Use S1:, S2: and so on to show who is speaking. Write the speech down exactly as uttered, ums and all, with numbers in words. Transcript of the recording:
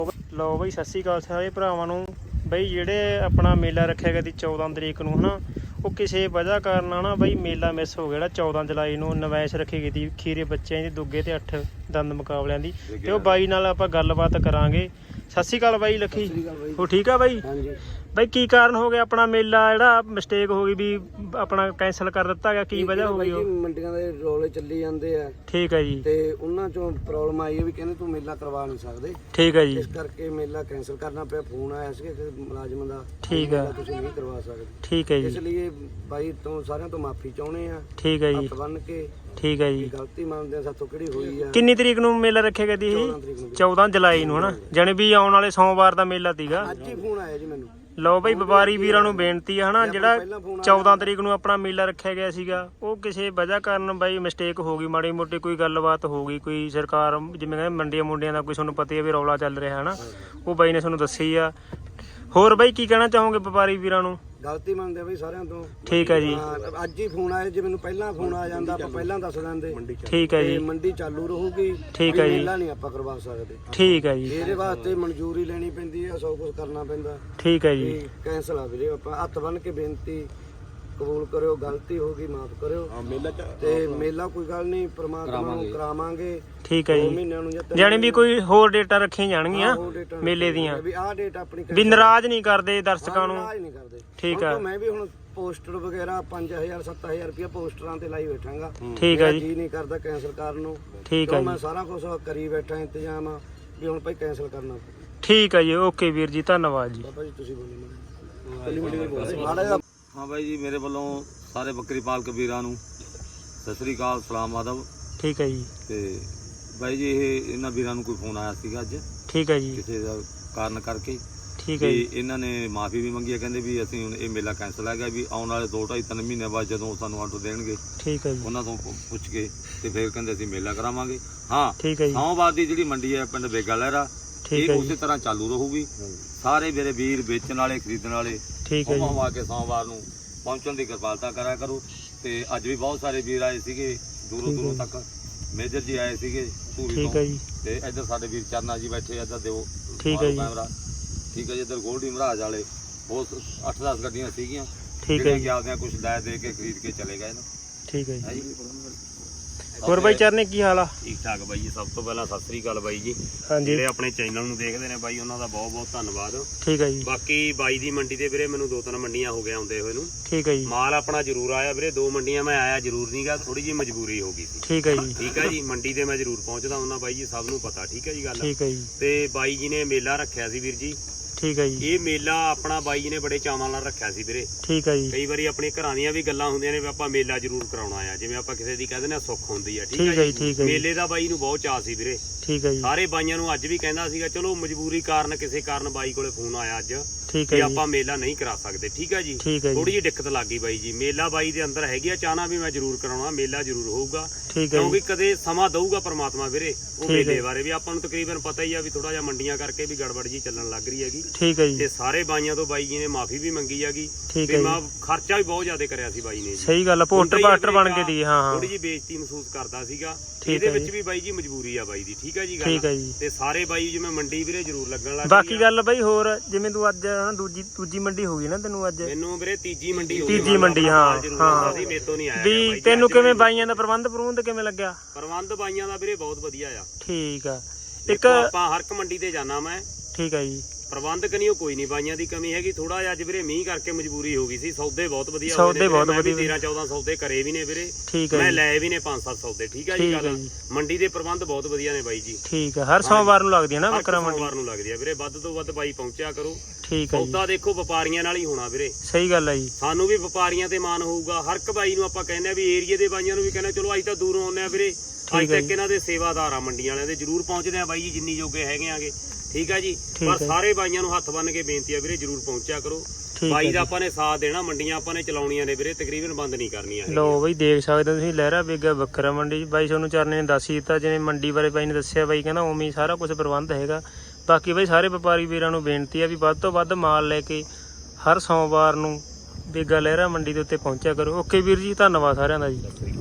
S1: लो बई सत श्री अकाल सारे भरावां नूं। बई जिहड़े अपना मेला रखिया गया सी चौदह तरीक नूं है ना, वो किसी वजह कारण ना बई मेला मिस हो गया। चौदह जुलाई नूं नवैश रखी गई थी खीरे बच्चों की दुगे ते अठ दंद मुकाबलियां दी। ते वो बाई नाल आपां गलबात करांगे। सत श्री अकाल बाई लखी, हो ठीक है बाई? बई की कारण हो गया अपना मेला जिहड़ा मिसटेक हो गई भी अपना कैंसल कर दिता गया, की वजह हो गई?
S2: मंडियां दे रौले ਚੱਲੀ ਜਾਂਦੇ ਆ।
S1: ठीक है जी।
S2: ਤੇ ਉਹਨਾਂ ਚੋਂ ਪ੍ਰੋਬਲਮ ਆਈ ਹੈ ਵੀ ਕਹਿੰਦੇ ਤੂੰ ਮੇਲਾ ਕਰਵਾ ਨਹੀਂ ਸਕਦੇ।
S1: ठीक है जी।
S2: ਇਸ ਕਰਕੇ ਮੇਲਾ ਕੈਂਸਲ ਕਰਨਾ ਪਿਆ। ਫੋਨ ਆਇਆ ਸੀ ਕਿ ਮੁਲਾਜ਼ਮਾਂ ਦਾ
S1: ठीक है,
S2: ਤੁਸੀਂ ਨਹੀਂ ਕਰਵਾ ਸਕਦੇ।
S1: ठीक है
S2: ਇਸ
S1: जी।
S2: ਲਈ ਬਾਈ ਤੋਂ ਸਾਰਿਆਂ ਤੋਂ ਮਾਫੀ ਚਾਹੁੰਦੇ ਆ।
S1: ठीक है जी।
S2: ਹੱਥ ਬੰਨ ਕੇ
S1: ठीक है जी।
S2: ਗਲਤੀ ਮੰਨਦੇ ਆ ਸਾਥੋਂ ਕਿਹੜੀ ਹੋਈ ਆ।
S1: ਕਿੰਨੀ ਤਰੀਕ ਨੂੰ ਮੇਲਾ ਰੱਖਿਆ ਗਿਆ ਸੀ? ਚੌਦਾਂ ਜੁਲਾਈ ਨੂੰ ਹਨਾ, ਜਾਣੀ ਵੀ ਆਉਣ ਵਾਲੇ ਸੋਮਵਾਰ ਦਾ ਮੇਲਾ ਸੀਗਾ।
S2: ਅੱਜ ਹੀ ਫੋਨ ਆਇਆ ਜੀ ਮੈਨੂੰ।
S1: ਲਓ ਬਈ ਵਪਾਰੀ ਵੀਰਾਂ ਨੂੰ ਬੇਨਤੀ ਹੈ ਹਨਾ, ਜਿਹੜਾ ਚੌਦਾਂ ਤਰੀਕ ਨੂੰ ਆਪਣਾ ਮੇਲਾ ਰੱਖਿਆ ਗਿਆ ਸੀਗਾ ਉਹ ਕਿਸੇ ਵਜ੍ਹਾ ਕਾਰਨ ਬਾਈ ਮਿਸਟੇਕ ਹੋ ਗਈ, ਮਾੜੀ ਮੋਟੀ ਕੋਈ ਗੱਲਬਾਤ ਹੋ ਗਈ, ਕੋਈ ਸਰਕਾਰ ਜਿਵੇਂ ਕਹਿੰਦੇ ਮੰਡੀਆਂ ਮੁੰਡਿਆਂ ਦਾ ਕੋਈ ਤੁਹਾਨੂੰ ਪਤਾ ਹੀ ਹੈ ਵੀ ਰੌਲਾ ਚੱਲ ਰਿਹਾ ਹੈ ਨਾ, ਉਹ ਬਾਈ ਨੇ ਤੁਹਾਨੂੰ ਦੱਸੀ ਆ। ਹੋਰ ਬਾਈ ਕੀ ਕਹਿਣਾ ਚਾਹੋਗੇ ਵਪਾਰੀ ਵੀਰਾਂ ਨੂੰ?
S2: ਗਲਤੀ ਮੰਨਦੇ ਬਈ ਸਾਰਿਆਂ ਤੋਂ।
S1: ਠੀਕ ਹੈ ਜੀ।
S2: ਅੱਜ ਹੀ ਫੋਨ ਆਇਆ, ਜੇ ਮੈਨੂੰ ਪਹਿਲਾਂ ਫੋਨ ਆ ਜਾਂਦਾ ਆਪਾਂ ਪਹਿਲਾਂ ਦੱਸ ਦਿੰਦੇ।
S1: ਠੀਕ ਹੈ ਜੀ।
S2: ਮੰਡੀ ਚਾਲੂ ਰਹੂਗੀ।
S1: ਠੀਕ ਹੈ ਜੀ।
S2: ਮੇਲਾ ਨਹੀਂ ਆਪਾਂ ਕਰਵਾ ਸਕਦੇ।
S1: ਠੀਕ ਹੈ ਜੀ।
S2: ਇਹਦੇ ਵਾਸਤੇ ਮਨਜ਼ੂਰੀ ਲੈਣੀ ਪੈਂਦੀ ਹੈ, ਸਭ ਕੁਝ ਕਰਨਾ ਪੈਂਦਾ।
S1: ਠੀਕ ਹੈ ਜੀ।
S2: ਕੈਂਸਲ ਆ ਵੀਰੇ, ਆਪਾਂ ਹੱਥ ਬੰਨ ਕੇ ਬੇਨਤੀ ਕਬੂਲ ਕਰਿਓ, ਗਲਤੀ ਹੋ ਗਈ ਮਾਫ ਕਰਿਓ। ਤੇ ਮੇਲਾ ਕੋਈ ਗੱਲ ਨਹੀਂ, ਪਰਮਾਤਮਾ ਨੂੰ ਕਰਾਵਾਂਗੇ।
S1: ਠੀਕ ਹੈ ਜੀ। ਜਾਣੀ ਵੀ ਕੋਈ ਹੋਰ ਡੇਟਾਂ ਰੱਖੀਆਂ ਜਾਣਗੀਆਂ ਮੇਲੇ ਦੀਆਂ,
S2: ਵੀ ਆਹ ਡੇਟ ਆਪਣੀ
S1: ਵੀ ਨਾਰਾਜ਼ ਨਹੀਂ ਕਰਦੇ ਦਰਸ਼ਕਾਂ ਨੂੰ।
S2: ਨਾਰਾਜ਼ ਨਹੀਂ ਕਰਦੇ।
S1: ਠੀਕ ਹੈ।
S2: ਮੈਂ ਵੀ ਹੁਣ ਪੋਸਟਰ ਵਗੈਰਾ ਪੰਜ ਹਜ਼ਾਰ ਸੱਤ ਹਜ਼ਾਰ ਰੁਪਇਆ ਪੋਸਟਰਾਂ ਤੇ ਲਾਈ ਬੈਠਾਂਗਾ।
S1: ਠੀਕ ਹੈ ਜੀ।
S2: ਜੀ ਨਹੀਂ ਕਰਦਾ ਕੈਂਸਲ ਕਰਨ ਨੂੰ।
S1: ਠੀਕ ਹੈ।
S2: ਮੈਂ ਸਾਰਾ ਕੁਝ ਕਰੀ ਬੈਠਾ ਇੰਤਜ਼ਾਮ ਵੀ ਹੁਣ ਭਾਈ ਕੈਂਸਲ ਕਰਨਾ।
S1: ਠੀਕ ਹੈ ਜੀ। ਓਕੇ ਵੀਰ ਜੀ, ਧੰਨਵਾਦ ਜੀ।
S2: ਬਾਬਾ ਜੀ ਤੁਸੀਂ ਬੋਲੋ।
S3: हाँ भाई जी, मेरे वालों सारे बकरी पालक वीरां नूं सत श्री अकाल, सलाम आदब।
S1: ठीक है जी।
S3: ते भाई जी ਇਹ ਇਹਨਾਂ ਵੀਰਾਂ ਨੂੰ ਕੋਈ ਫੋਨ ਆਇਆ ਸੀਗਾ ਅੱਜ
S1: ਠੀਕ ਹੈ ਜੀ।
S3: ਕਿਸੇ ਦਾ ਕਾਰਨ ਕਰਕੇ।
S1: ਠੀਕ ਹੈ ਜੀ।
S3: ਇਹਨਾਂ ਨੇ ਮਾਫੀ ਵੀ ਮੰਗੀ ਹੈ, ਕਹਿੰਦੇ ਵੀ ਅਸੀਂ ਹੁਣ ਇਹ ਮੇਲਾ ਕੈਂਸਲ ਹੈਗਾ, ਵੀ ਆਉਣ ਵਾਲੇ ਦੋ ਢਾਈ ਤਿੰਨ ਮਹੀਨੇ ਬਾਅਦ ਜਦੋਂ ਸਾਨੂੰ ਆਰਡਰ ਦੇਣਗੇ
S1: ਠੀਕ ਹੈ ਜੀ,
S3: ਉਹਨਾਂ ਤੋਂ ਪੁੱਛ ਕੇ ਤੇ ਫਿਰ ਕਹਿੰਦੇ ਅਸੀਂ ਮੇਲਾ ਕਰਾਵਾਂਗੇ। ਹਾਂ,
S1: ਠੀਕ ਹੈ ਜੀ।
S3: ਸੋਮਵਾਰ ਦੀ ਜਿਹੜੀ ਮੰਡੀ ਹੈ ਪਿੰਡ ਬੇਗਾ ਲਹਿਰਾ,
S1: ਠੀਕ
S3: ਇਹ
S1: ਹੈ
S3: ਉਸੇ
S1: ਜੀ।
S3: ਤਰ੍ਹਾਂ ਚਾਲੂ ਰਹੂਗੀ। ਸਾਰੇ ਮੇਰੇ ਵੀਰ ਵੇਚਣ ਵਾਲੇ ਖਰੀਦਣ ਵਾਲੇ
S1: ਠੀਕ ਹੈ ਜੀ।
S3: ਆ ਕੇ ਸੋਮਵਾਰ ਨੂੰ ਪਹੁੰਚਣ ਦੀ ਕਿਰਪਾਲਤਾ ਕਰਿਆ ਕਰੋ। ਤੇ ਅੱਜ ਵੀ ਬਹੁਤ ਸਾਰੇ ਵੀਰ ਆਏ ਸੀਗੇ ਦੂਰੋਂ ਦੂਰੋਂ ਤੱਕ, ਮੇਜਰ ਜੀ ਆਏ ਸੀਗੇ ਧੂਰੀ
S1: ਠੀਕ ਹੈ
S3: ਤੋਂ,
S1: ਜੀ।
S3: ਤੇ ਇੱਧਰ ਸਾਡੇ ਵੀਰ ਚਰਨਾ ਜੀ ਬੈਠੇ, ਇੱਧਰ ਦਿਓ
S1: ਠੀਕ ਹੈ ਜੀ।
S3: ਕੈਮਰਾ। ਠੀਕ ਹੈ ਜੀ। ਇੱਧਰ ਗੋਲਡੀ ਮਹਾਰਾਜ ਵਾਲੇ ਬਹੁਤ ਅੱਠ ਦਸ ਗੱਡੀਆਂ ਸੀਗੀਆਂ,
S1: ਠੀਕ ਹੈ ਜੀ।
S3: ਆਪਦੀਆਂ ਕੁਝ ਲੈ ਦੇ ਕੇ ਖਰੀਦ ਕੇ ਚਲੇ ਗਏ ਨਾ।
S1: ਠੀਕ ਹੈ
S3: ਹੈ
S1: ਜੀ।
S3: ਜੀ।
S1: ਹੋਰ ਬਾਈ ਚਰਨੇ ਕੀ ਹਾਲ ਆ?
S4: ਠੀਕ ਠਾਕ ਬਾਈ ਜੀ। ਸਭ ਤੋਂ ਪਹਿਲਾਂ ਸਤਿ ਸ੍ਰੀ ਅਕਾਲ ਬਾਈ ਜੀ।
S1: ਹਾਂਜੀ।
S4: ਜਿਹੜੇ ਆਪਣੇ ਚੈਨਲ ਨੂੰ ਦੇਖਦੇ ਨੇ ਬਾਈ, ਉਹਨਾਂ ਦਾ ਬਹੁਤ ਬਹੁਤ ਧੰਨਵਾਦ।
S1: ਠੀਕ ਹੈ ਜੀ।
S4: ਬਾਕੀ ਬਾਈ ਦੀ ਮੰਡੀ ਤੇ ਵੀਰੇ ਮੈਨੂੰ ਦੋ ਤਿੰਨ ਮੰਡੀਆਂ ਹੋ ਗਏ ਆਉਂਦੇ ਹੋਏ ਨੂੰ।
S1: ਠੀਕ ਹੈ ਜੀ।
S4: ਮਾਲ ਆਪਣਾ ਜ਼ਰੂਰ ਆਇਆ ਵੀਰੇ, ਦੋ ਮੰਡੀਆਂ ਮੈਂ ਆਇਆ ਜ਼ਰੂਰ ਨਹੀਂਗਾ, ਥੋੜੀ ਜਿਹੀ ਮਜਬੂਰੀ ਹੋ ਗਈ ਸੀ।
S1: ਠੀਕ ਹੈ ਜੀ।
S4: ਠੀਕ ਹੈ ਜੀ। ਮੰਡੀ ਤੇ ਮੈਂ ਜ਼ਰੂਰ ਪਹੁੰਚਦਾ ਹੁੰਦਾ ਬਾਈ ਜੀ, ਸਭ ਨੂੰ ਪਤਾ। ਠੀਕ ਹੈ ਜੀ ਗੱਲ।
S1: ਠੀਕ ਹੈ ਜੀ।
S4: ਤੇ ਬਾਈ ਜੀ ਨੇ ਮੇਲਾ ਰੱਖਿਆ ਸੀ ਵੀਰ ਜੀ।
S1: ਠੀਕ ਹੈ ਜੀ।
S4: ਇਹ ਮੇਲਾ ਆਪਣਾ ਬਾਈ ਜੀ ਨੇ ਬੜੇ ਚਾਵਾਂ ਨਾਲ ਰੱਖਿਆ ਸੀ ਵੀਰੇ।
S1: ਠੀਕ ਹੈ ਜੀ।
S4: ਕਈ ਵਾਰੀ ਆਪਣੇ ਘਰਾਂ ਦੀਆਂ ਵੀ ਗੱਲਾਂ ਹੁੰਦੀਆਂ ਨੇ ਵੀ ਆਪਾਂ ਮੇਲਾ ਜ਼ਰੂਰ ਕਰਾਉਣਾ ਆ, ਜਿਵੇਂ ਆਪਾਂ ਕਿਸੇ ਦੀ ਕਹਿੰਦੇ ਨੇ ਸੁੱਖ ਹੁੰਦੀ ਆ।
S1: ਠੀਕ ਹੈ ਜੀ। ਠੀਕ ਹੈ ਜੀ।
S4: ਮੇਲੇ ਦਾ ਬਾਈ ਨੂੰ ਬਹੁਤ ਚਾਅ ਸੀ ਵੀਰੇ।
S1: ਠੀਕ ਹੈ ਜੀ।
S4: ਸਾਰੇ ਬਾਈਆਂ ਨੂੰ ਅੱਜ ਵੀ ਕਹਿੰਦਾ ਸੀਗਾ, ਚਲੋ ਮਜਬੂਰੀ ਕਾਰਨ ਕਿਸੇ ਕਾਰਨ ਬਾਈ ਕੋਲੇ ਫੋਨ ਆਇਆ ਅੱਜ
S1: ਠੀਕ
S4: ਵੀ
S1: ਹੈ ਜੀ।
S4: ਆਪਾਂ ਮੇਲਾ ਨਹੀਂ ਕਰਾ ਸਕਦੇ। ਠੀਕ ਹੈ ਜੀ।
S1: ਠੀਕ ਹੈ
S4: ਥੋੜੀ
S1: ਜੀ।
S4: ਜਿਹੀ ਦਿੱਕਤ ਲੱਗ ਗਈ ਬਾਈ ਜੀ। ਮੇਲਾ ਬਾਈ ਦੇ ਅੰਦਰ ਹੈਗੀ ਆ ਚਾਹਨਾ ਵੀ ਮੈਂ ਜ਼ਰੂਰ ਕਰਾਉਣਾ, ਮੇਲਾ ਜ਼ਰੂਰ ਹੋਊਗਾ।
S1: ਠੀਕ ਹੈ
S4: ਕਿਉਂਕਿ
S1: ਜੀ।
S4: ਕਦੇ ਸਮਾਂ ਦਊਗਾ ਪ੍ਰਮਾਤਮਾ ਵੀਰੇ ਉਹ
S1: ਠੀਕ ਹੈ।
S4: ਮੇਲੇ ਬਾਰੇ ਵੀ। ਆਪਾਂ ਨੂੰ ਤਕਰੀਬਨ ਪਤਾ ਹੀ ਆ ਵੀ ਥੋੜਾ ਜਿਹਾ ਮੰਡੀਆਂ ਕਰਕੇ ਵੀ ਗੜਬੜ ਜੀ ਚੱਲਣ ਲੱਗ ਰਹੀ ਹੈਗੀ।
S1: ਠੀਕ ਹੈ ਜੀ।
S4: ਤੇ ਸਾਰੇ ਬਾਈਆਂ ਤੋਂ ਬਾਈ ਜੀ ਨੇ ਮਾਫੀ ਵੀ ਮੰਗੀ ਹੈਗੀ।
S1: ਠੀਕ
S4: ਤੇ
S1: ਹੈ
S4: ਮੈਂ
S1: ਜੀ।
S4: ਖਰਚਾ ਵੀ ਬਹੁਤ ਜ਼ਿਆਦਾ ਕਰਿਆ ਸੀ ਬਾਈ ਨੇ ਜੀ।
S1: ਸਹੀ ਗੱਲ ਆ, ਪੋਸਟਰ ਪਾਸਟਰ ਬਣ ਕੇ ਦੀ। ਹਾਂ ਹਾਂ।
S4: ਥੋੜੀ ਜਿਹੀ ਬੇਇੱਜ਼ਤੀ ਮਹਿਸੂਸ ਕਰਦਾ ਸੀਗਾ।
S1: ਠੀਕ
S4: ਇਹਦੇ
S1: ਹੈ
S4: ਵਿੱਚ
S1: ਜੀ।
S4: ਵੀ ਬਾਈ ਜੀ ਮਜਬੂਰੀ ਆ ਬਾਈ ਦੀ। ਠੀਕ ਹੈ ਜੀ ਗੱਲ।
S1: ਠੀਕ ਹੈ ਜੀ।
S4: ਤੇ ਸਾਰੇ ਬਾਈ ਜਿਵੇਂ ਮੰਡੀ ਵੀਰੇ ਜ਼ਰੂਰ ਲੱਗਣ ਲੱਗ
S1: ਬਾਕੀ ਗੱਲ ਬਾਈ ਹੋਰ, ਜਿਵੇਂ ਤੂੰ ਅੱਜ ਹਨਾ ਦੂਜੀ ਦੂਜੀ ਮੰਡੀ ਹੋ ਗਈ ਨਾ ਤੈਨੂੰ ਅੱਜ?
S4: ਮੈਨੂੰ ਵੀਰੇ ਤੀਜੀ ਮੰਡੀ ਹੋ ਗਈ।
S1: ਤੀਜੀ ਮੰਡੀ, ਹਾਂ ਹਾਂ।
S4: ਸੀ ਮੇਤੋਂ ਨਹੀਂ ਆਇਆ
S1: ਵੀ ਤੈਨੂੰ ਕਿਵੇਂ ਬਾਈਆਂ ਦਾ ਪ੍ਰਬੰਧ ਪ੍ਰਬੰਧ ਕਿਵੇਂ ਲੱਗਿਆ?
S4: ਪ੍ਰਬੰਧ ਬਾਈਆਂ ਦਾ ਵੀਰੇ ਬਹੁਤ ਵਧੀਆ ਆ।
S1: ਠੀਕ ਆ। ਇੱਕ
S4: ਇੱਕ ਆਪਾਂ ਹਰ ਇੱਕ ਮੰਡੀ ਤੇ ਜਾਣਾ ਮੈਂ।
S1: ਠੀਕ ਹੈ ਜੀ।
S4: ਪ੍ਰਬੰਧਕ ਨਹੀਂ ਉਹ ਕੋਈ ਨਹੀਂ, ਬਾਈਆਂ ਦੀ ਕਮੀ ਹੈਗੀ। ਥੋੜਾ ਜਿਹਾ ਅੱਜ ਵੀਰੇ ਮੀਂਹ ਕਰਕੇ ਮਜਬੂਰੀ ਹੋ ਗਈ ਸੀ। ਸੌਦੇ ਬਹੁਤ ਵਧੀਆ ਹੋਏ ਨੇ।
S1: ਸੌਦੇ ਬਹੁਤ ਵਧੀਆ।
S4: ਤੇਰਾਂ ਚੌਦਾਂ ਸੌਦੇ ਕਰੇ ਵੀ ਨੇ ਵੀਰੇ।
S1: ਠੀਕ ਹੈ
S4: ਮੈਂ
S1: ਜੀ।
S4: ਲਏ ਵੀ ਨੇ ਪੰਜ ਸੱਤ ਸੌਦੇ। ਠੀਕ ਹੈ ਜੀ ਗੱਲ। ਮੰਡੀ ਦੇ ਪ੍ਰਬੰਧ ਬਹੁਤ ਵਧੀਆ ਨੇ ਬਾਈ ਜੀ।
S1: ਠੀਕ ਹੈ। ਹਰ ਸੋਮਵਾਰ ਨੂੰ ਲੱਗਦੀ ਹੈ ਨਾ ਬੱਕਰਾ ਮੰਡੀ?
S4: ਸੋਮਵਾਰ ਨੂੰ ਲੱਗਦੀ ਆ ਵੀਰੇ। ਵੱਧ ਤੋਂ ਵੱਧ ਬਾਈ ਪਹੁੰਚਿਆ ਕਰੋ।
S1: ਠੀਕ ਹੈ ਜੀ।
S4: ਸੌਦਾ ਦੇਖੋ ਵਪਾਰੀਆਂ ਨਾਲ ਹੀ ਹੋਣਾ ਵੀਰੇ।
S1: ਸਹੀ ਗੱਲ ਹੈ ਜੀ।
S4: ਸਾਨੂੰ ਵੀ ਵਪਾਰੀਆਂ ਤੇ ਮਾਣ ਹੋਊਗਾ। ਹਰ ਇੱਕ ਬਾਈ ਨੂੰ ਆਪਾਂ ਕਹਿੰਦੇ ਆ ਵੀ ਏਰੀਏ ਦੇ ਬਾਈਆਂ ਨੂੰ ਵੀ ਕਹਿੰਦੇ ਚਲੋ ਅੱਜ ਤਾਂ ਦੂਰੋਂ ਆਉਂਦੇ ਆ ਵੀਰੇ, ਅੱਜ ਤੱਕ ਇਹਨਾਂ ਦੇ ਸੇਵਾਦਾਰ ਆ ਮੰਡੀਆਂ ਵਾਲਿਆਂ ਦੇ, ਜ਼ਰੂਰ ਪਹੁੰਚਦੇ ਆ ਬਾਈ ਜੀ ਜਿੰਨੀ ਜੋਗੇ ਹੈਗੇ ਆਗੇ। ਠੀਕ ਆ ਜੀ। ਪਰ ਸਾਰੇ ਬਾਈਆਂ ਨੂੰ ਹੱਥ ਬੰਨ ਕੇ ਬੇਨਤੀ ਆ ਵੀਰੇ, ਜ਼ਰੂਰ ਪਹੁੰਚਿਆ ਕਰੋ। ਬਾਈ ਦਾ ਆਪਾਂ ਨੇ ਸਾਥ ਦੇਣਾ, ਮੰਡੀਆਂ ਆਪਾਂ ਨੇ ਚਲਾਉਣੀਆਂ ਨੇ ਵੀਰੇ, ਤਕਰੀਬਨ ਬੰਦ ਨਹੀਂ ਕਰਨੀਆਂ।
S1: ਲੋ ਬਈ ਦੇਖ ਸਕਦੇ ਹੋ ਤੁਸੀਂ ਲਹਿਰਾ ਬੇਗਾ ਬੱਕਰਾ ਮੰਡੀ। ਬਾਈ ਤੁਹਾਨੂੰ ਚਰਨੇ ਨੇ ਦੱਸ ਹੀ ਦਿੱਤਾ, ਜਿਵੇਂ ਮੰਡੀ ਬਾਰੇ ਬਾਈ ਨੇ ਦੱਸਿਆ। ਬਾਈ ਕਹਿੰਦਾ ਉਵੇਂ ਹੀ ਸਾਰਾ ਕੁਝ ਪ੍ਰਬੰਧ ਹੈਗਾ। ਬਾਕੀ ਬਾਈ ਸਾਰੇ ਵਪਾਰੀ ਵੀਰਾਂ ਨੂੰ ਬੇਨਤੀ ਆ ਵੀ ਵੱਧ ਤੋਂ ਵੱਧ ਮਾਲ ਲੈ ਕੇ ਹਰ ਸੋਮਵਾਰ ਨੂੰ ਬੇਗਾ ਲਹਿਰਾ ਮੰਡੀ ਦੇ ਉੱਤੇ ਪਹੁੰਚਿਆ ਕਰੋ। ਓਕੇ ਵੀਰ ਜੀ, ਧੰਨਵਾਦ ਸਾਰਿਆਂ ਦਾ ਜੀ।